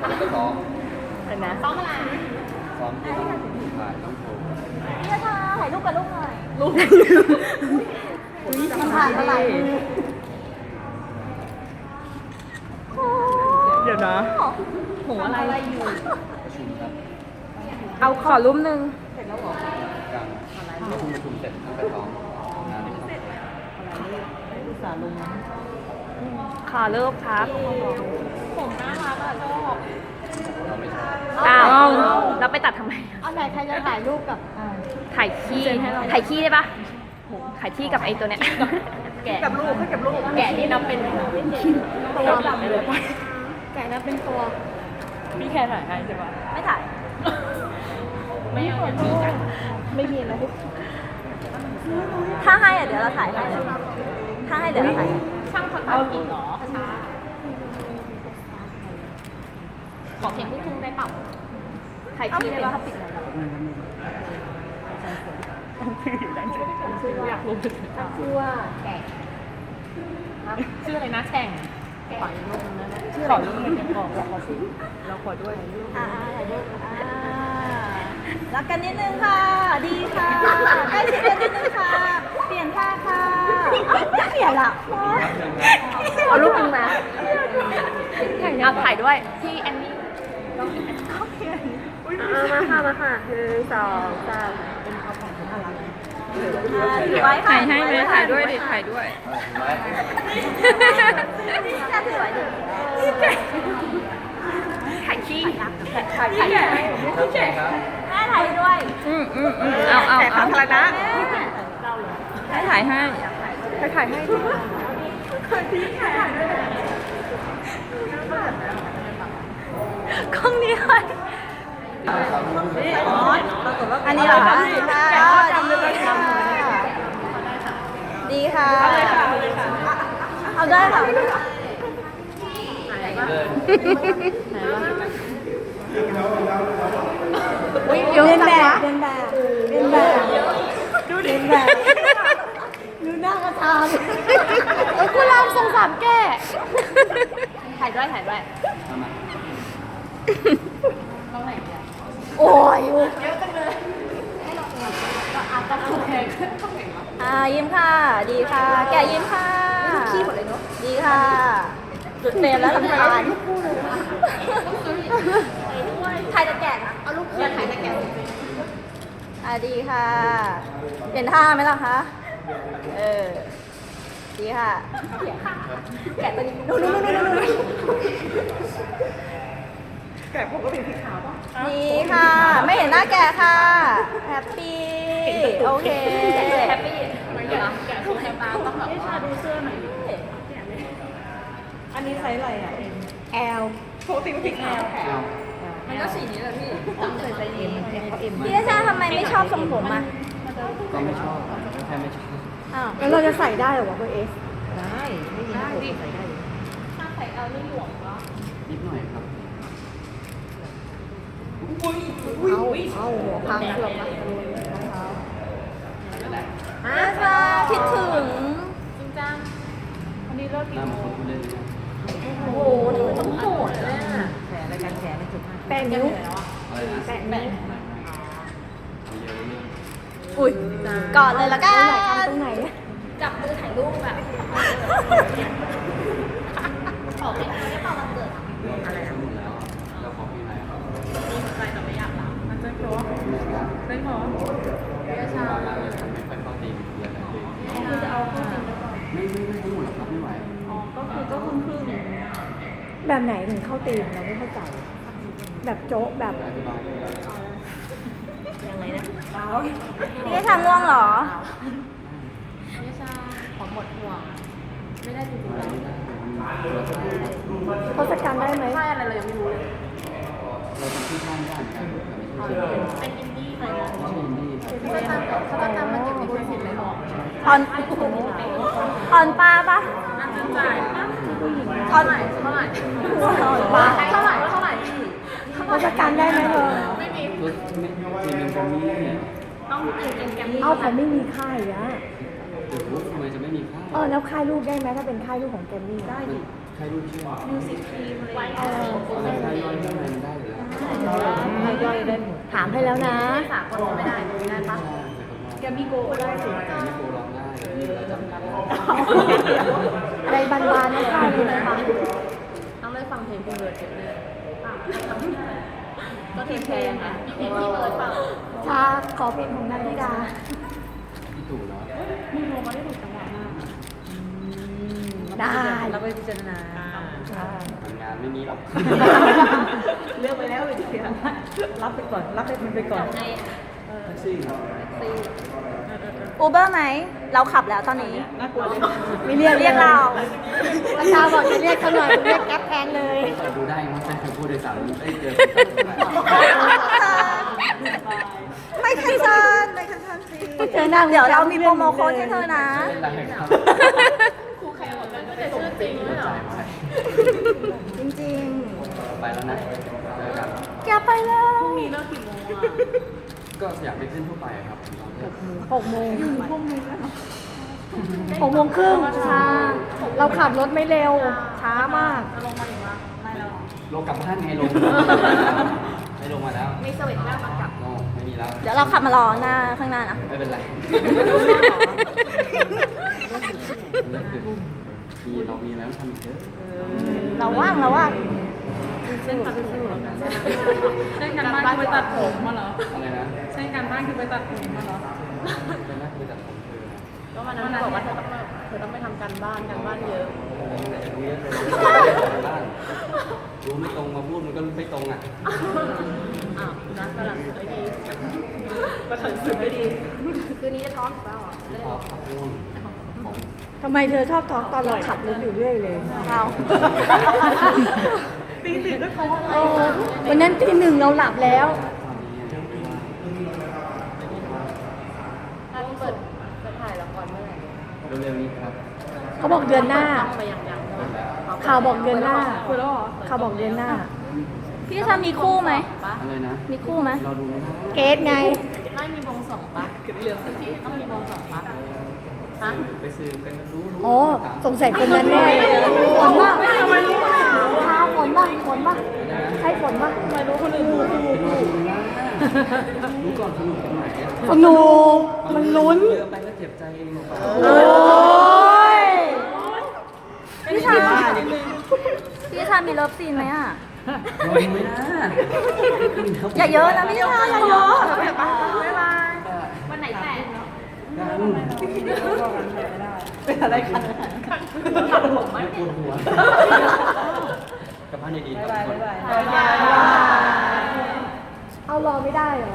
แล้วก็ซ้อมเห็นไหมซ้อมอะไรซ้อมที่ต้องถ่ายต้องโชว์พี่ชาถ่ายรูปกับลูกหน่อยลูกมันผ่านมาหลายมือเดี๋ยวนะโหอะไรอยู่ประชุมครับเอาขอรูปหนึ่งกลางประชุมเสร็จตั้งแต่ซ้อมงานเสร็จขอเลิกครับผมน่ารักอะชอบเราไม่ชอบอ้าวเราไปตัดทำไมเอาไหนใครจะถ่ายรูปกับถ่ายขี้ถ่ายขี้ได้ปะถ่ายขี้กับไอ้ตัวเนี้ยแกะกับลูกให้กับลูกแกะนี่นับเป็นตัวดำเลยแกะนะเป็นตัวพี่แค่ถ่ายให้ใช่ปะไม่ถ่ายไม่เอาอย่างนี้กันไม่มีนะถ้าให้อะเดี๋ยวเราถ่ายให้เลยถ้าให้เดี๋ยวเราถ่ายให้ช่างคนตัดกินเหรอขอเพลงลูกทุ่งได้เปล่าถ่ายเอาขี้ไปได้เลยปะว่าเขาปิดไหนแล้วอยากรู้ชื่อว่าแกะชื่ออะไรนะแข่งขอรูปนึงนะชื่อขอรูปนึงขอสิเราขอด้วยถ่ายรูปรักกันนิดนึงค่ะ ดีค่ะใกล้ชิดกันนิดนึงค่ะ เปลี่ยนท่าค่ะไม่เปลี่ยนละเอารูปนึงนะเอาถ่ายด้วยพี่แอนนี่มาค่ะ1 2 3 ถือไว้ค่ะถ่ายให้ไหมถ่ายด้วยดิถ่ายด้วยไว้นี่แค่ถือไว้ดิถ่ายขี้ถ่ายครับครับแม่ถ่ายด้วยเอาสาธารณะให้ถ่ายให้ให้ถ่ายให้กล้องนี้เลยอันนี้เหรอคะดีค่ะเอาได้ค่ะเดินแบบดูหน้ามาทำกูรามสงสารแกถ่ายด้วยทำไมโอ้ยเยอะจังเลยยิ้มค่ะ ดีค่ะ แกยิ้มค่ะขี้หมดเลยเนาะดีค่ะจุดเฟรมแล้วลำคาญถ่ายแต่แกะนะเอาลูกถ่ายแต่แกะดีค่ะเปลี่ยนท่าไหมล่ะคะดีค่ะ แกะตัวนี้นู่นแกะผมก็เป็นสีขาวป่ะดีค่ะ ไม่เห็นหน้าแกะค่ะแฮปปี้โอเคแฮปปี้แกะถูกแฮปปี้ต้องแบบว่าดูเสื้อหน่อยอันนี้ไซส์อะไรอ่ะ L ปกติมันติดแอลเอามันก็สีนี้แหละพี่ต้องใส่ไซส์ M เขา M พี่ชาทำไมไม่ชอบทรงผมอ่ะก็ไม่ชอบแค่ไม่ชอบอ้าวแล้วเราจะใส่ได้หรอวะเบอร์ S ได้ไม่มีผมใส่ได้ถ้าใส่ L นี่หลวมเหรอนิดหน่อยครับเอาหัวพังเกือบละชาคิดถึงจริงจังวันนี้เลิกหกี่น้าโมมันงคนเล่นโอ้โหทำไมต้องโหดเลยอ่ะแฉรายการแฉในจุดแปะนิ้วอะไรนะแปะนิ้วเยอะเลยอุ้ยกอดเลยละกันตรงไหนจับมือถ่ายรูปแบบขอเป็นไม่เป่าวันเกิดอะไรนะหมดแล้วแล้วขอพี่ไหนครับใจแต่ไม่อยากรับมันจะพอไม่พอไม่ชอบไม่ค่อยเข้าตีเยอะเลยคือจะเอาเข้าจริงไม่ทั้งหมดหรอกครับไม่ไหวก็ครึ่งแบบไหนถึงเข้าตีมเราไม่เข้าใจ แบบโจ๊ะแบบอธิบายยังไงนะพี่ชาง่วงเหรอไม่ใช่ของหมดห่วงไม่ได้จริงอะไรไม่ได้ๆเขาจัดการได้ไหมใช่อะไรเรายังไม่รู้เลยเราทำที่ข้างได้เหมือนกันแต่ไม่ใช่เป็นอินดี้ไหมไม่ใช่อินดี้ครับเขาจะทำมาเก็บในสิทธิ์เลยหรอออนออนปลาปะจ่ายออนเท่าไหร่ออนปลาเท่าไหร่เขาจัดการได้ไหมเธอรถไม่ทีนึงตรงนี้เนี่ยต้องกินแกมมี่เอาเขาไม่มีค่ายอะโอ้โหทำไมจะไม่มีค่ายแล้วค่ายลูกได้ไหมถ้าเป็นค่ายลูกของแกมมี่ได้ดิใครรู้ชื่อมิวสิกทีมอะไรอะไรค่ายย่อยไม่ย่อยได้หมดถามให้แล้วนะสากลไม่ได้ไม่ได้ปะแกมีโกได้สิมีโกร้องได้มีเราจำได้อะไรบานๆไม่ได้เลยนะคะต้องได้ฟังเพลงพี่เบิร์ดเยอะเลยก็ทีมเพลงอ่ะเพลงพี่เบิร์ดเปล่าชาขอเพลงของนันทิดาพี่ตู่เนาะได้เราไปพิจารณาทำงานไม่มีหรอกเลือกไปแล้วเลยทีเดียวรับไปก่อนรับให้มันไปก่อนในแท็กซี่ครับอูเบอร์ไหมเราขับแล้วตอนนี้น่ากลัวเลยไม่เรียกเราประชาบอกจะเรียกเขาหน่อยเรียกแก๊ปแทนเลยเปิดดูได้มั้งแต่ผู้โดยสารได้เจอไม่คันชันไม่คันชันสิเดี๋ยวเรามีโปรโมโค้ดให้เธอนะไม่เป็นไรครับครูใครบอกกันก็จะชื่อจริงด้วยเหรอจริงไปแล้วนะเจอกันๆแกไปแล้วมีเลิกกี่โมงอ่ะก็อยากไปขึ้นทั่วไปครับ 6 โมง6 โมงครึ่งช้าเราขับรถไม่เร็ว ช้ามากจะลงมาอีกวะไม่แล้วลงกลับบ้านไงลงไม่ลงมาแล้วมีสวิตช์แม่มากลับโอ้ไม่มีแล้วเดี๋ยวเราขับมารอหน้าข้างหน้านะไม่เป็นไรมีเรามีแล้วทำอีกเยอะเราว่างเราว่างเส้นกันบ้านคือไปตัดผมมาเหรออะไรนะเส้นกันบ้านคือไปตัดผมมาเหรอเป็นนักคือจัดผมเธอก็วันนั้นบอกว่าเธอต้องไปทำการบ้านเยอะรู้เยอะเลยบ้านรู้ไม่ตรงมาพูดมันก็ไม่ตรงอ่ะอ้าวนัดกำลังสึกไม่ดีกำลังสึกไม่ดีคืนนี้จะท้องหรือเปล่าขอขับร่วงผมทำไมเธอชอบท้องตอนเราขับรถอยู่เรื่อยเลยเราตีติดด้วยเขาอะไรวันนั้นตี 1เราหลับแล้วตอนนี้ถ้าพี่เปิดจะถ่ายละครเมื่อไหร่เร็วๆนี้ครับเขาบอกเดือนหน้าต้องไปยังข่าวบอกเดือนหน้าคุยแล้วเหรอข่าวบอกเดือนหน้า พี่ชามีคู่ไหมอะไรนะมีคู่ไหมเราดูไม่ได้เกสไงไม่มีวงสองปะเรื่องที่ต้องมีวงสองปะฮะไปซื้อกันรู้อ๋อ สงสัยคนนั้นแน่ฝนป่ะข้าวฝนป่ะฝนป่ะใช่ฝนป่ะไม่รู้คนอื่นรู้ก่อนสนุกตรงไหนสนุกมันลุ้นเยอะไปก็เจ็บใจเองเปล่าโอ้ยพี่ชาพี่ชามีเลิฟซีนไหมอ่ะไม่นะอย่าเยอะนะพี่ชาอย่าเยอะบ๊ายบายวันไหนแต่งเป็นอะไรกันตัดผมไหมปวดหัวกลับบ้านดีๆครับทุกคนเอารอไม่ได้เหรอ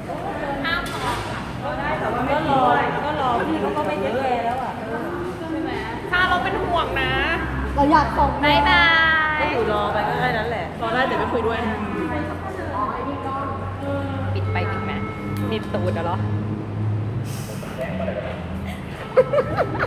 ถ้าเราเป็นห่วงนะเราอยากส่งบายบายอยู่รอไปก็แค่นั้นแหละ รอได้แต่ไม่คุยด้วยปิดไปปิดมาปิดตูดเหรอ